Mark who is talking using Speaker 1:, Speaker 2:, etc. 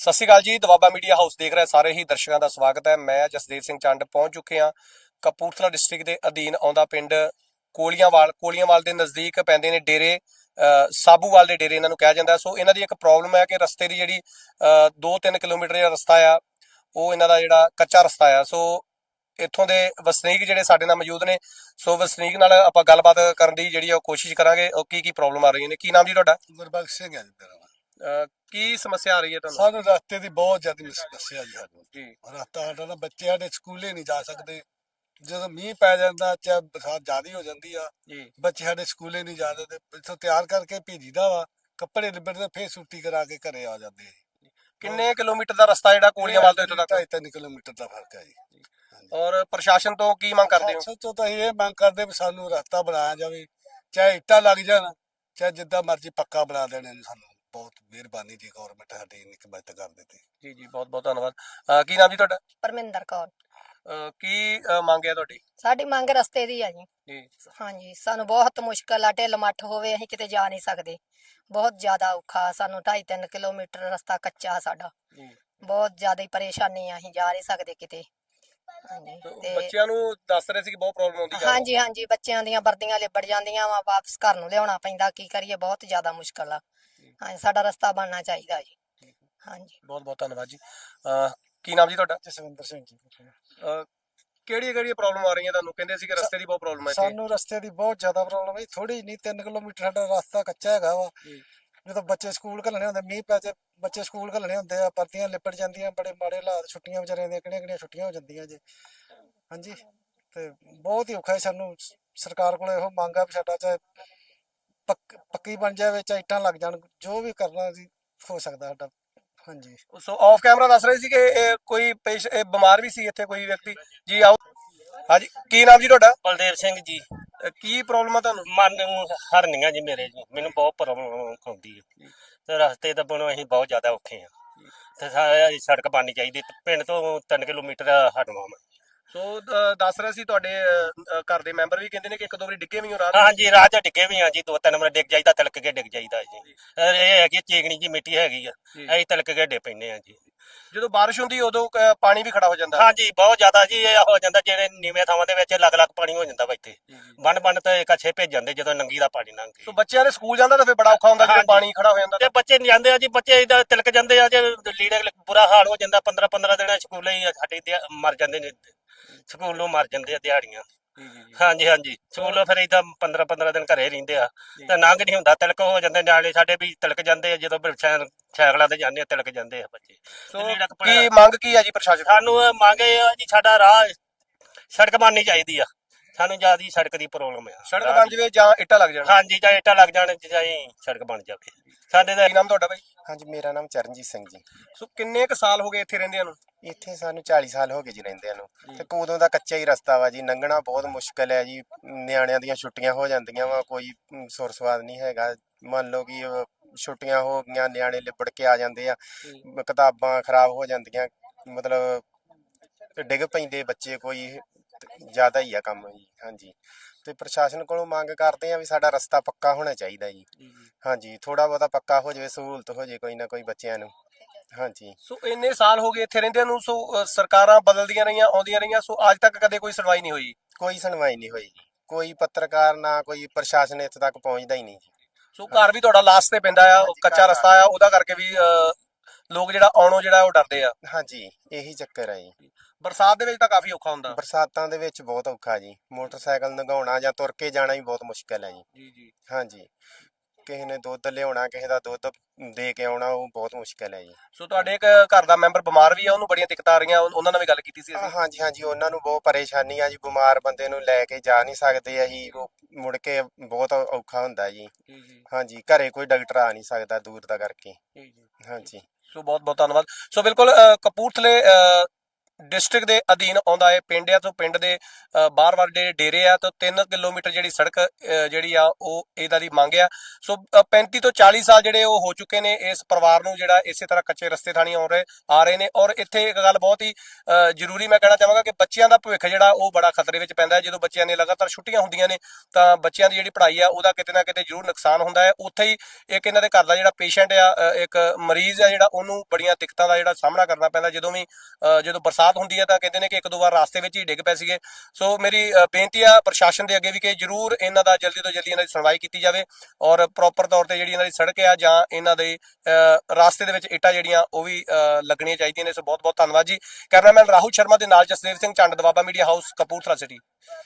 Speaker 1: ਸਤਿ ਸ਼੍ਰੀ ਅਕਾਲ ਜੀ। Doaba media house ਦੇਖ ਰਹੇ ਸਾਰੇ ਹੀ ਦਰਸ਼ਕਾਂ ਦਾ ਸਵਾਗਤ ਹੈ। ਮੈਂ ਜਸਦੇਵ ਸਿੰਘ ਚੰਡ ਪਹੁੰਚ ਚੁੱਕੇ ਹਾਂ ਕਪੂਰਥਲਾ ਡਿਸਟ੍ਰਿਕਟ ਦੇ ਅਧੀਨ ਆਉਂਦਾ ਪਿੰਡ ਕੋਲੀਆਂਵਾਲ ਦੇ ਨਜ਼ਦੀਕ ਪੈਂਦੇ ਨੇ ਡੇਰੇ ਸਾਬੂਵਾਲ ਦੇ ਡੇਰੇ ਇਹਨਾਂ ਨੂੰ ਕਿਹਾ ਜਾਂਦਾ। ਸੋ ਇਹਨਾਂ ਦੀ ਇੱਕ ਪ੍ਰੋਬਲਮ ਹੈ ਕਿ ਰਸਤੇ ਦੀ ਜਿਹੜੀ 2-3 ਕਿਲੋਮੀਟਰ ਦਾ ਰਸਤਾ ਆ, ਉਹ ਇਹਨਾਂ ਦਾ ਜਿਹੜਾ ਕੱਚਾ ਰਸਤਾ ਆ। ਸੋ ਇੱਥੋਂ ਦੇ ਵਸਨੀਕ ਜਿਹੜੇ ਸਾਡੇ ਨਾਲ ਮੌਜੂਦ ਨੇ, ਸੋ ਵਸਨੀਕ ਨਾਲ ਆਪਾਂ ਗੱਲਬਾਤ ਕਰਨ ਦੀ ਜਿਹੜੀ ਉਹ ਕੋਸ਼ਿਸ਼ ਕਰਾਂਗੇ। ਉਹ ਕੀ ਪ੍ਰੋਬਲਮ ਆ ਰਹੀਆਂ ਨੇ। ਕੀ ਨਾਮ ਜੀ ਤੁਹਾਡਾ?
Speaker 2: ਗੁਰਬਖਸ਼ ਸਿੰਘ ਹੈ ਜੀ ਮੇਰਾ ਨਾਮ।
Speaker 1: ਕੀ ਸਮੱਸਿਆ ਆ ਰਹੀ ਹੈ ਤੁਹਾਨੂੰ?
Speaker 2: ਸਾਨੂੰ ਰਸਤੇ ਦੀ ਬਹੁਤ ਜ਼ਿਆਦਾ ਸਮੱਸਿਆ ਜੀ। ਸਾਨੂੰ
Speaker 1: ਜੀ
Speaker 2: ਰਸਤਾ ਸਾਡਾ ਨਾ, ਬੱਚੇ ਸਾਡੇ ਸਕੂਲੇ ਨਹੀਂ ਜਾ ਸਕਦੇ। ਜਦੋਂ ਮੀਂਹ ਪੈ ਜਾਂਦਾ, ਚਾਹੇ ਬਰਸਾਤ ਜ਼ਿਆਦਾ ਹੋ ਜਾਂਦੀ ਆ,
Speaker 1: ਜੀ
Speaker 2: ਬੱਚੇ ਸਾਡੇ ਸਕੂਲੇ ਨਹੀਂ ਜਾ ਸਕਦੇ। ਇੱਥੋਂ ਤਿਆਰ ਕਰਕੇ ਭੇਜੀਦਾ ਵਾ, ਕੱਪੜੇ ਲਿਬੜਦੇ, ਫੇਰ ਛੁੱਟੀ ਕਰਾ ਕੇ ਘਰੇ ਆ ਜਾਂਦੇ ਆ।
Speaker 1: ਕਿੰਨੇ ਕਿਲੋਮੀਟਰ ਦਾ ਰਸਤਾ ਜਿਹੜਾ ਕੋਲੀਆਂਵਾਲ ਤੋਂ ਇੱਥੋਂ ਤੱਕ?
Speaker 2: 2.5 ਕਿਲੋਮੀਟਰ ਦਾ ਫਰਕ ਹੈ ਜੀ।
Speaker 1: ਔਰ ਪ੍ਰਸ਼ਾਸਨ ਤੋਂ ਕੀ ਮੰਗ ਕਰਦੇ ਹੋ?
Speaker 2: ਸੋਚੋ ਤਾਂ ਇਹ ਮੰਗ ਕਰਦੇ ਵੀ ਸਾਨੂੰ ਰਸਤਾ ਬਣਾਇਆ ਜਾਵੇ, ਚਾਹੇ ਇੱਟਾਂ ਲੱਗ ਜਾਣ, ਚਾਹੇ ਜਿੱਦਾਂ ਮਰਜ਼ੀ ਪੱਕਾ ਬਣਾ ਦੇਣ। ਸਾਨੂੰ ਬਹੁਤ ਮਿਹਰਬਾਨੀ ਜੀ, ਗੌਰਮੈਂਟ ਸਾਡੀ ਇੰਨੀ ਕੁ ਮਦਦ ਕਰ ਦਿੱਤੀ।
Speaker 1: ਜੀ ਜੀ, ਬਹੁਤ ਬਹੁਤ ਧੰਨਵਾਦ। ਕੀ ਨਾਮ ਜੀ ਤੁਹਾਡਾ?
Speaker 3: ਪਰਮਿੰਦਰ ਕੌਰ।
Speaker 1: ਕੀ ਮੰਗ ਹੈ ਤੁਹਾਡੀ?
Speaker 3: ਸਾਡੀ ਮੰਗ ਰਸਤੇ ਦੀ ਆ ਜੀ।
Speaker 1: ਜੀ
Speaker 3: ਹਾਂਜੀ, ਸਾਨੂੰ ਬਹੁਤ ਮੁਸ਼ਕਲ ਆ, ਢਿੱਲ ਮੱਠ ਹੋਵੇ ਅਸੀਂ ਕਿਤੇ ਜਾ ਨਹੀਂ ਸਕਦੇ। ਬਹੁਤ ਜ਼ਿਆਦਾ ਔਖਾ ਸਾਨੂੰ, 2.5-3 ਕਿਲੋਮੀਟਰ ਰਸਤਾ ਕੱਚਾ ਸਾਡਾ।
Speaker 1: ਜੀ।
Speaker 3: ਬਹੁਤ ਜ਼ਿਆਦਾ ਹੀ ਪਰੇਸ਼ਾਨੀ ਆ, ਅਸੀਂ ਜਾ ਨਹੀਂ ਸਕਦੇ ਕਿਤੇ। ਹਾਂਜੀ ਤੇ
Speaker 1: ਬੱਚਿਆਂ ਨੂੰ ਦੱਸ ਰਹੇ ਸੀ ਕਿ ਬਹੁਤ ਪ੍ਰੋਬਲਮ ਆਉਂਦੀ ਜਾ
Speaker 3: ਹਾਂਜੀ ਹਾਂਜੀ, ਬੱਚਿਆਂ ਦੀਆਂ ਵਰਦੀਆਂ ਲਿਬੜ ਜਾਂਦੀਆਂ ਵਾ, ਵਾਪਸ ਘਰ ਨੂੰ ਲਿਆਉਣਾ ਪੈਂਦਾ। ਕੀ ਕਰੀਏ, ਬਹੁਤ ਜ਼ਿਆਦਾ ਮੁਸ਼ਕਲ ਆ। ਹਾਂਜੀ, ਸਾਡਾ ਰਸਤਾ ਬਣਨਾ ਚਾਹੀਦਾ ਜੀ। ਹਾਂਜੀ,
Speaker 1: ਬਹੁਤ ਬਹੁਤ ਧੰਨਵਾਦ ਜੀ। ਕੀ ਨਾਮ ਜੀ ਤੁਹਾਡਾ?
Speaker 2: ਜਸਵਿੰਦਰ ਸਿੰਘ ਜੀ।
Speaker 1: ਕਿਹੜੀਆਂ ਪ੍ਰੋਬਲਮ ਆ ਰਹੀਆਂ ਤੁਹਾਨੂੰ? ਕਹਿੰਦੇ ਸੀ ਕਿ ਰਸਤੇ ਦੀ ਬਹੁਤ ਪ੍ਰੋਬਲਮ ਹੈ ਇੱਥੇ।
Speaker 2: ਸਾਨੂੰ ਰਸਤੇ ਦੀ ਬਹੁਤ ਜ਼ਿਆਦਾ ਪ੍ਰੋਬਲਮ ਹੈ। ਥੋੜੀ ਨਹੀਂ, 3 ਕਿਲੋਮੀਟਰ ਸਾਡਾ ਰਸਤਾ ਕੱਚਾ ਹੈਗਾ ਵਾ। ਜਦੋਂ ਬੱਚੇ ਸਕੂਲ ਘੱਲਣੇ ਹੁੰਦੇ, ਮੀਂਹ ਪੈ ਜੇ, ਬੱਚੇ ਸਕੂਲ ਘੱਲਣੇ ਹੁੰਦੇ ਆ, ਪਰਦੀਆਂ ਲਿਪੜ ਜਾਂਦੀਆਂ, ਬੜੇ ਮਾੜੇ ਹਾਲਾਤ। ਛੁੱਟੀਆਂ ਵਿਚਾਰਿਆਂ ਦੀਆਂ ਕਿਹੜੀਆਂ ਛੁੱਟੀਆਂ ਹੋ ਜਾਂਦੀਆਂ ਜੀ। ਹਾਂਜੀ, ਤੇ ਬਹੁਤ ਹੀ ਔਖਾ ਹੈ ਸਾਨੂੰ। ਸਰਕਾਰ ਕੋਲ ਇਹੋ ਮੰਗ ਆ ਵੀ ਸਾਡਾ ਚਾਹੇ ਪੱਕੀ ਬਣ ਜਾਵੇ, ਚਾਹੇ ਇੱਟਾਂ ਲੱਗ ਜਾਣ, ਜੋ ਵੀ ਕਰਨਾ ਜੀ ਹੋ ਸਕਦਾ ਸਾਡਾ। ਹਾਂਜੀ,
Speaker 1: ਸੋ ਆਫ ਕੈਮਰਾ ਦੱਸ ਰਹੇ ਸੀ ਕਿ ਇਹ ਕੋਈ ਇਹ ਬਿਮਾਰ ਵੀ ਸੀ ਇੱਥੇ ਕੋਈ ਵਿਅਕਤੀ। ਜੀ ਆਓ। ਹਾਂਜੀ, ਕੀ ਨਾਮ ਜੀ ਤੁਹਾਡਾ?
Speaker 4: ਬਲਦੇਵ ਸਿੰਘ ਜੀ।
Speaker 1: ਕੀ ਪ੍ਰੋਬਲਮ ਆ ਤੁਹਾਨੂੰ?
Speaker 4: ਮਨ ਨੂੰ ਹਰਨੀਆਂ ਜੀ ਮੇਰੇ ਜੀ, ਮੈਨੂੰ ਬਹੁਤ ਪ੍ਰੋਬਲਮ ਆਉਂਦੀ ਹੈ ਤੇ ਰਸਤੇ ਤਾਂ ਬਣੋ ਅਸੀਂ ਬਹੁਤ ਜ਼ਿਆਦਾ ਔਖੇ ਆ ਤੇ ਸੜਕ ਬਣਨੀ ਚਾਹੀਦੀ। ਪਿੰਡ ਤੋਂ 3 ਕਿਲੋਮੀਟਰ ਹਟਵਾ।
Speaker 1: ਸੋ ਦੱਸ ਰਹੇ ਸੀ ਤੁਹਾਡੇ ਘਰ ਦੇ ਮੈਂਬਰ ਵੀ ਕਹਿੰਦੇ ਨੇ ਕਿ ਇੱਕ ਦੋ ਵਾਰੀ ਡਿੱਗੇ ਵੀ ਹੋ ਰਾਤ।
Speaker 4: ਹਾਂਜੀ, ਰਾਹ 'ਚ ਡਿੱਗੇ ਵੀ ਆ ਜੀ, 2-3 ਵਾਰ ਡਿੱਗ ਜਾਈਦਾ, ਤਿਲਕ ਕੇ ਡਿੱਗ ਜਾਈਦਾ ਜੀ। ਇਹ ਹੈਗੀ ਚੀਕਣੀ ਜੀ ਮਿੱਟੀ ਹੈਗੀ ਆ, ਅਸੀਂ ਤਿਲਕ ਕੇ ਡਿੱਗ ਪੈਂਦੇ ਆ ਜੀ।
Speaker 1: ਜਦੋਂ ਬਾਰਿਸ਼ ਹੁੰਦੀ ਉਦੋਂ ਪਾਣੀ ਵੀ ਖੜਾ ਹੋ ਜਾਂਦਾ।
Speaker 4: ਹਾਂਜੀ, ਬਹੁਤ ਜ਼ਿਆਦਾ ਜੀ ਇਹ ਹੋ ਜਾਂਦਾ। ਜਿਹੜੇ ਨੀਵੇਂ ਥਾਵਾਂ ਦੇ ਵਿੱਚ ਲੱਗ ਪਾਣੀ ਹੋ ਜਾਂਦਾ ਵਾ। ਇੱਥੇ ਬੰਨ ਤੇ ਕੱਛੇ ਭੇਜ ਜਾਂਦੇ ਜਦੋਂ ਨੰਗੀ ਦਾ ਪਾਣੀ ਲੰਘ
Speaker 1: ਸੋ ਬੱਚਿਆਂ ਦੇ ਸਕੂਲ ਜਾਂਦਾ ਤਾਂ ਫਿਰ ਬੜਾ ਔਖਾ ਹੁੰਦਾ ਜਦੋਂ ਪਾਣੀ ਖੜਾ ਹੋ ਜਾਂਦਾ।
Speaker 4: ਤੇ ਬੱਚੇ ਨਹੀਂ ਜਾਂਦੇ ਆ ਜੀ, ਬੱਚੇ ਇਹਦਾ ਤਿਲਕ ਜਾਂਦੇ ਆ ਜੇ ਲੀੜੇ ਬੁਰਾ ਹਾਲ ਹੋ ਜਾਂਦਾ। 15-15 ਦਿਨ ਸਕੂਲੇ ਹੀ ਸਾਡੇ ਮਰ ਜਾਂਦੇ ਨੇ, ਸਕੂਲੋਂ ਮਰ ਜਾਂਦੇ ਆ ਦਿਹਾੜੀਆਂ। ਹਾਂਜੀ ਹਾਂਜੀ, ਸਕੂਲੋਂ ਫਿਰ ਏਦਾਂ 15-15 ਦਿਨ ਘਰੇ ਰਹਿੰਦੇ ਆ ਤੇ ਨੰਗ ਨਹੀਂ ਹੁੰਦਾ, ਤਿਲਕ ਹੋ ਜਾਂਦੇ। ਨਿਆਣੇ ਸਾਡੇ ਵੀ ਤਿਲਕ ਜਾਂਦੇ ਆ ਜਦੋਂ ਸਾਈਕਲਾਂ ਤੇ ਜਾਂਦੇ ਆ, ਤਿਲਕ ਜਾਂਦੇ ਆ ਬੱਚੇ।
Speaker 1: ਸੋ ਕੀ ਮੰਗ ਕੀ ਆ ਜੀ ਪ੍ਰਸ਼ਾਸਨ?
Speaker 4: ਸਾਨੂੰ ਮੰਗੇ ਆ ਜੀ, ਸਾਡਾ ਰਾਹ ਸੜਕ ਬਣਨੀ ਚਾਹੀਦੀ ਆ। ਸਾਨੂੰ ਜਿਆਦਾ ਸੜਕ ਦੀ ਪ੍ਰੋਬਲਮ ਆ।
Speaker 1: ਸੜਕ ਬਣ ਜਾਵੇ ਜਾਂ ਇੱਟਾਂ ਲੱਗ ਜਾਣ।
Speaker 4: ਹਾਂਜੀ, ਜਾਂ ਇੱਟਾਂ ਲੱਗ ਜਾਣ, ਚਾਹੇ ਸੜਕ ਬਣ ਜਾਵੇ ਸਾਡੇ ਦਾ।
Speaker 1: ਕੀ ਨਾਮ ਤੁਹਾਡਾ ਬਾਈ?
Speaker 5: ਹਾਂਜੀ, ਮੇਰਾ ਨਾਮ ਚਰਨਜੀਤ ਸਿੰਘ ਜੀ।
Speaker 1: ਸੋ ਕਿੰਨੇ ਕੁ ਸਾਲ ਹੋ ਗਏ ਇੱਥੇ ਰਹਿੰਦਿਆਂ ਨੂੰ?
Speaker 5: ਇੱਥੇ ਸਾਨੂੰ 40 ਸਾਲ ਹੋ ਗਏ ਜੀ ਰਹਿੰਦਿਆਂ ਨੂੰ। ਤੇ ਉਦੋਂ ਦਾ ਕੱਚਾ ਹੀ ਰਸਤਾ ਵਾ ਜੀ, ਲੰਘਣਾ ਬਹੁਤ ਮੁਸ਼ਕਲ ਹੈ ਜੀ। ਨਿਆਣਿਆਂ ਦੀਆਂ ਛੁੱਟੀਆਂ ਹੋ ਜਾਂਦੀਆਂ ਵਾ, ਕੋਈ ਸੁਰ ਸਵਾਦ ਨਹੀਂ ਹੈਗਾ। ਮੰਨ ਲਓ ਕਿ ਛੁੱਟੀਆਂ ਹੋ ਗਈਆਂ, ਨਿਆਣੇ ਲਿਬੜ ਕੇ ਆ ਜਾਂਦੇ ਆ, ਕਿਤਾਬਾਂ ਖਰਾਬ ਹੋ ਜਾਂਦੀਆਂ, ਮਤਲਬ ਡਿੱਗ ਪੈਂਦੇ ਬੱਚੇ। ਕੋਈ ਜ਼ਿਆਦਾ ਹੀ ਆ ਕੰਮ ਜੀ। ਹਾਂਜੀ, ਤੇ ਪ੍ਰਸ਼ਾਸਨ ਕੋਲੋਂ ਮੰਗ ਕਰਦੇ ਆ ਵੀ ਸਾਡਾ ਰਸਤਾ ਪੱਕਾ ਹੋਣਾ ਚਾਹੀਦਾ ਜੀ। ਹਾਂਜੀ, ਥੋੜਾ ਬਹੁਤਾ ਪੱਕਾ ਹੋ ਜਾਵੇ, ਸਹੂਲਤ ਹੋ ਜਾਵੇ ਕੋਈ ਨਾ ਕੋਈ ਬੱਚਿਆਂ ਨੂੰ। ਹਾਂਜੀ,
Speaker 1: ਸੋ ਇੰਨੇ ਸਾਲ ਹੋ ਗਏ ਇੱਥੇ ਰਹਿੰਦਿਆਂ ਨੂੰ। ਸੋ ਸਰਕਾਰਾਂ ਬਦਲਦੀਆਂ ਰਹੀਆਂ, ਆਉਂਦੀਆਂ ਰਹੀਆਂ, ਸੋ ਅੱਜ ਤੱਕ ਕਦੇ ਕੋਈ ਸੁਣਵਾਈ ਨਹੀਂ ਹੋਈ।
Speaker 5: ਕੋਈ ਸੁਣਵਾਈ ਨਹੀਂ ਹੋਈ ਜੀ। ਕੋਈ ਪੱਤਰਕਾਰ ਨਾ ਕੋਈ ਪ੍ਰਸ਼ਾਸਨ ਇੱਥੇ ਤੱਕ ਪਹੁੰਚਦਾ ਹੀ ਨਹੀਂ ਜੀ।
Speaker 1: ਸੋ ਘਰ ਵੀ ਤੁਹਾਡਾ ਲਾਸਟ ਤੇ ਪੈਂਦਾ ਆ, ਕੱਚਾ ਰਸਤਾ ਆ, ਉਹਦਾ ਕਰਕੇ ਵੀ ਲੋਕ ਜਿਹੜਾ ਆਉਣੋਂ ਜਿਹੜਾ ਉਹ ਡਰਦੇ ਆ।
Speaker 5: ਹਾਂਜੀ, ਇਹੀ ਚੱਕਰ ਹੈ ਜੀ।
Speaker 1: ਬਰਸਾਤ ਦੇ ਵਿੱਚ ਤਾਂ ਕਾਫੀ ਔਖਾ ਹੁੰਦਾ।
Speaker 5: ਬਰਸਾਤਾਂ ਦੇ ਵਿੱਚ ਬਹੁਤ ਔਖਾ ਜੀ। ਮੋਟਰਸਾਈਕਲ ਲੰਘਾਉਣਾ ਜਾਂ ਤੁਰ ਕੇ ਜਾਣਾ ਵੀ ਬਹੁਤ ਮੁਸ਼ਕਲ ਹੈ ਜੀ।
Speaker 1: ਜੀ ਜੀ।
Speaker 5: ਹਾਂਜੀ, ਕਿਸੇ ਨੇ ਦੁੱਧ ਲਿਆਉਣਾ, ਕਿਸੇ ਦਾ ਦੁੱਧ ਦੇ ਕੇ ਆਉਣਾ, ਉਹ ਬਹੁਤ ਮੁਸ਼ਕਲ ਹੈ ਜੀ।
Speaker 1: ਸੋ ਤੁਹਾਡੇ ਇੱਕ ਘਰ ਦਾ ਮੈਂਬਰ ਬਿਮਾਰ ਵੀ ਆ, ਉਹਨੂੰ ਬੜੀਆਂ ਦਿੱਕਤਾਂ ਆ ਰਹੀਆਂ, ਉਹਨਾਂ ਨਾਲ ਵੀ ਗੱਲ ਕੀਤੀ ਸੀ ਅਸੀਂ।
Speaker 5: ਹਾਂਜੀ ਹਾਂਜੀ, ਉਹਨਾਂ ਨੂੰ ਬਹੁਤ ਪਰੇਸ਼ਾਨੀ ਆ ਜੀ। ਬਿਮਾਰ ਬੰਦੇ ਨੂੰ ਲੈ ਕੇ ਜਾ ਨਹੀਂ ਸਕਦੇ ਅਸੀਂ, ਉਹ ਮੁੜ ਕੇ ਬਹੁਤ ਔਖਾ ਹੁੰਦਾ ਜੀ। ਹਾਂਜੀ, ਘਰੇ ਕੋਈ ਡਾਕਟਰ ਆ ਨਹੀਂ ਸਕਦਾ ਦੂਰ ਦਾ ਕਰਕੇ। ਹਾਂਜੀ,
Speaker 1: ਸੋ ਬਹੁਤ ਬਹੁਤ ਧੰਨਵਾਦ। ਸੋ ਬਿਲਕੁਲ ਕਪੂਰਥਲੇ ਡਿਸਟ੍ਰਿਕਟ ਦੇ ਅਧੀਨ ਆਉਂਦਾ ਹੈ ਪਿੰਡ ਆ ਤੋਂ ਪਿੰਡ ਦੇ ਬਾਹਰ-ਬਾਹਰ ਜਿਹੜੇ ਡੇਰੇ ਆ ਤੋਂ 3 ਕਿਲੋਮੀਟਰ ਜਿਹੜੀ ਸੜਕ ਜਿਹੜੀ ਆ ਉਹ ਇਹਦਾ ਦੀ ਮੰਗ ਆ। ਸੋ 35 ਤੋਂ 40 ਸਾਲ ਜਿਹੜੇ ਉਹ ਹੋ ਚੁੱਕੇ ਨੇ ਇਸ ਪਰਿਵਾਰ ਨੂੰ ਜਿਹੜਾ ਇਸੇ ਤਰ੍ਹਾਂ ਕੱਚੇ ਰਸਤੇ ਥਾਣੀ ਆ ਰਹੇ ਨੇ। ਔਰ ਇੱਥੇ ਇੱਕ ਗੱਲ ਬਹੁਤ ਹੀ ਜ਼ਰੂਰੀ ਮੈਂ ਕਹਿਣਾ ਚਾਹਾਂਗਾ ਕਿ ਬੱਚਿਆਂ ਦਾ ਭਵਿੱਖ ਜਿਹੜਾ ਉਹ ਬੜਾ ਖਤਰੇ ਵਿੱਚ ਪੈਂਦਾ ਹੈ। ਜਦੋਂ ਬੱਚਿਆਂ ਨੇ ਲਗਾਤਾਰ ਛੁੱਟੀਆਂ ਹੁੰਦੀਆਂ ਨੇ ਤਾਂ ਬੱਚਿਆਂ ਦੀ ਜਿਹੜੀ ਪੜ੍ਹਾਈ ਆ ਉਹਦਾ ਕਿਤੇ ਨਾ ਕਿਤੇ ਜ਼ਰੂਰ ਨੁਕਸਾਨ ਹੁੰਦਾ ਹੈ। ਉੱਥੇ ਹੀ ਇੱਕ ਇਹਨਾਂ ਦੇ ਘਰ ਦਾ ਜਿਹੜਾ ਪੇਸ਼ੈਂਟ ਆ ਇੱਕ ਮਰੀਜ਼ ਆ ਜਿਹੜਾ ਉਹਨੂੰ ਬੜੀਆਂ ਦਿੱਕਤਾਂ ਦਾ ਜਿਹੜਾ ਸਾਹਮਣਾ ਕਰਨਾ ਪੈਂਦਾ ਜਦੋਂ ਬਰਸਾਤ ਹੁੰਦੀ ਹੈ ਤਾਂ ਕਹਿੰਦੇ ਨੇ ਕਿ ਇੱਕ ਦੋ ਵਾਰ ਰਾਸਤੇ ਵਿੱਚ ਹੀ ਡਿੱਗ ਪਏ ਸੀਗੇ। ਸੋ ਮੇਰੀ ਬੇਨਤੀ ਆ ਪ੍ਰਸ਼ਾਸਨ ਦੇ ਅੱਗੇ ਵੀ ਕਿ ਜ਼ਰੂਰ ਇਹਨਾਂ ਦਾ ਜਲਦੀ ਤੋਂ ਜਲਦੀ ਇਹਨਾਂ ਦੀ ਸੁਣਵਾਈ ਕੀਤੀ ਜਾਵੇ ਔਰ ਪ੍ਰੋਪਰ ਤੌਰ ਤੇ ਜਿਹੜੀ ਇਹਨਾਂ ਦੀ ਸੜਕ ਆ ਜਾਂ ਇਹਨਾਂ ਦੇ ਰਾਸਤੇ ਦੇ ਵਿੱਚ ਇੱਟਾਂ ਜਿਹੜੀਆਂ ਉਹ ਵੀ ਲੱਗਣੀਆਂ ਚਾਹੀਦੀਆਂ ਨੇ। ਸੋ ਬਹੁਤ ਬਹੁਤ ਧੰਨਵਾਦ ਜੀ। ਕੈਮਰਾਮੈਨ ਰਾਹੁਲ ਸ਼ਰਮਾ ਦੇ ਨਾਲ Jasdev Singh Chand, Doaba media house, Kapurthala city.